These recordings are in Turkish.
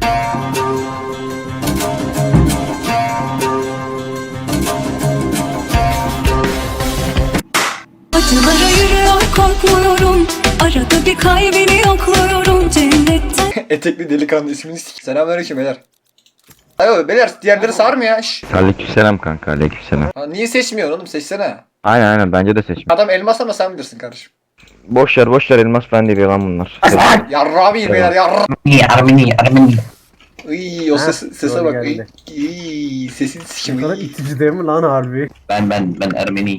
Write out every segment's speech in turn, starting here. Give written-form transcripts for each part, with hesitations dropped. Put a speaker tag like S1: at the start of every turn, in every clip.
S1: Acılara yürüyor korkmuyorum. Arada bir kalbini yokluyorum cennetten.
S2: Etekli delikanlı ismini sik. Selamünaleyküm beyler. Ayo beyler diğerleri sarmıyor ya. Şşş.
S3: Aleykümselam kanka, aleykümselam.
S2: Ha, niye seçmiyorsun oğlum, seçsene.
S3: Aynen bence de seçme.
S2: Adam elmas ama sen bilirsin kardeşim.
S3: Boş ver elmas ben değil yalan bunlar.
S2: Yarra bir beyler yarra.
S4: Armeni.
S2: Iy o sese
S5: doğru
S2: bak.
S5: geldi.
S2: Iy sesini sikim.
S5: Bu kadar itici değil mi lan harbi?
S4: Ben Ermeni.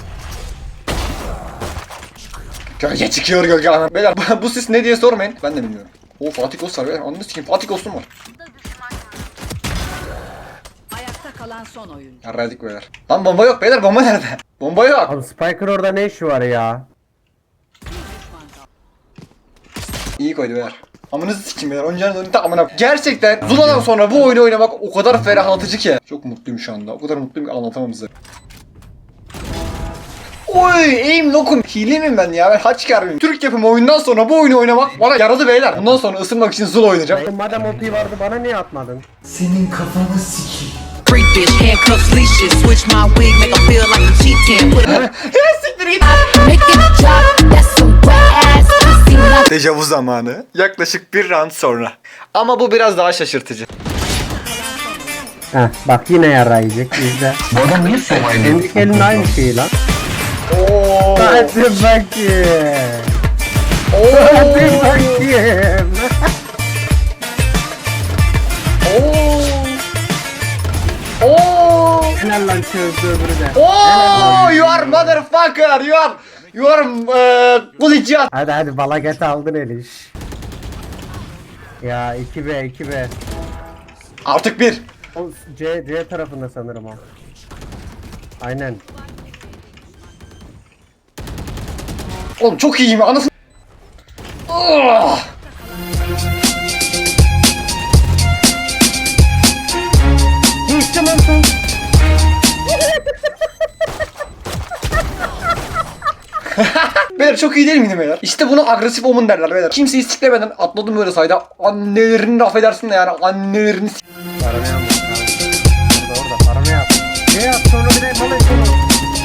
S2: Gölge çıkıyor gölge ana. Beyler bu ses ne diye sormayın. Ben de bilmiyorum. O Fatih Kos var beyler. Anladın sikim Fatih Kos'um var.
S6: Ayakta kalan son oyuncu.
S2: Yarraydık beyler. Lan bomba yok beyler, bomba nerede? Bomba yok.
S5: Abi Spiker orada ne işi var ya?
S2: İyi koydu beyler. Amınızı sikim beyler. Oyuncağınız önünde amına. Gerçekten Zula'dan sonra bu oyunu oynamak o kadar ferahlatıcı ki. Çok mutluyum şu anda. O kadar mutluyum ki anlatamam size. Oy aim lokum. Hile miyim ben ya? Ben haç mıyım? Türk yapımı oyundan sonra bu oyunu oynamak bana yaradı beyler. Bundan sonra ısınmak için Zula oynayacağım.
S5: Madem ultiyi vardı bana niye atmadın?
S2: Senin kafanı sikeyim.
S6: Freak bitch, handcuffs, leashes. Switch my wig, make 'em feel like a cheating. Put
S2: Ya siktir git.
S6: make it drop. That's some wet ass pussy. Like
S2: Dejavu zamanı. Yaklaşık bir round sonra. Ama bu biraz daha şaşırtıcı.
S5: Heh bak yine yarayacak izle.
S4: Bu adam niye survival?
S5: Kendi elinin aynı şeyi lan.
S2: Oo.
S5: Hadi bakayım.
S2: Oo.
S5: Hadi bakayım.
S2: Oo. Oo.
S5: Helal lan çözdü öbürü de.
S2: Oo. You are motherfucker. You are bulacağız.
S5: Hadi balaget aldın Eliş. Ya 2B.
S2: Artık bir.
S5: O C tarafında sanırım o. Aynen.
S2: Oğlum çok iyiyim anasını. Oh.
S5: Geçtim lan sen.
S2: Beyler çok iyi değil miydim beyler? İşte bunu agresif omun derler beyler. Kimseyi siklemeden atladım böyle sayda. Annelerini de affedersin de yani annelerini
S5: Paramı yapma. Orada paramı yap. Ne yap sonra bir de bana sonu.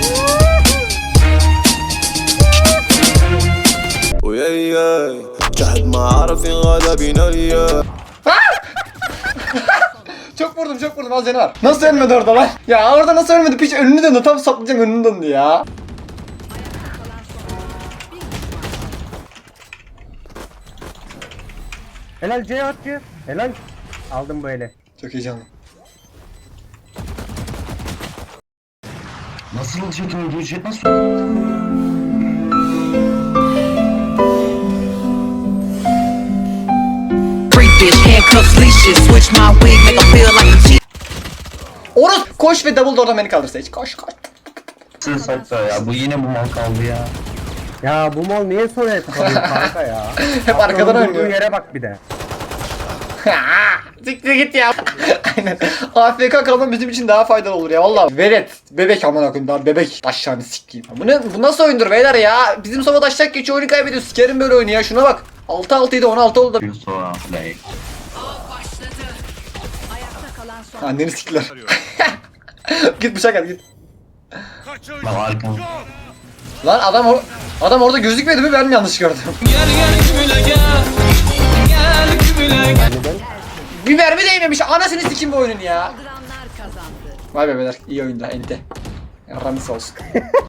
S7: وياي جهد ما عرف غدا بنيا.
S2: Çok vurdum az canı var. Nasıl ölmedi orada lan? Ya orada nasıl ölmedi? Piç önünü döndü, tam saplayacağım önünü döndü ya.
S5: Helal C at C. Helal. Aldım bu eli.
S2: Çok heyecanlı.
S4: Nasıl çekim ücret nasıl?
S6: freak bitch, handcuffs, leashes. Switch my wig, make 'em feel like a cheating.
S2: Orası koş ve double door'dan beni kaldırsa hiç koş.
S4: Sakla ya bu yine bu mal kaldı ya.
S5: Ya bu mal niye sonra hep kalıyor kanka ya?
S2: Hep arkadan
S5: Durduğu
S2: oynuyor.
S5: yere bak bir de.
S2: Siktir git ya. Aynen. AFK kalmam bizim için daha faydalı olur ya vallahi. Velet. Bebek aman akım daha bebek. Taşlarını sikeyim. Bu nasıl oyundur beyler ya? Bizim sova taşacak geçiyor oyunu kaybediyor. Sikerim böyle oyunu ya. Şuna bak. 6-6'ydı 16 oldu.
S4: Sonra play.
S6: Ayakta kalan son.
S2: Anneni siktiler. Git bıçak at git.
S4: Lan arkam.
S2: Lan adam orada gözükmedi mi, ben mi yanlış gördüm? Bir mermi değmemiş, anasını sikim bu oyunun ya.
S6: Kaldıranlar kazandı.
S2: Vay be beyler, iyi oyunda ente. Yaramız olsun.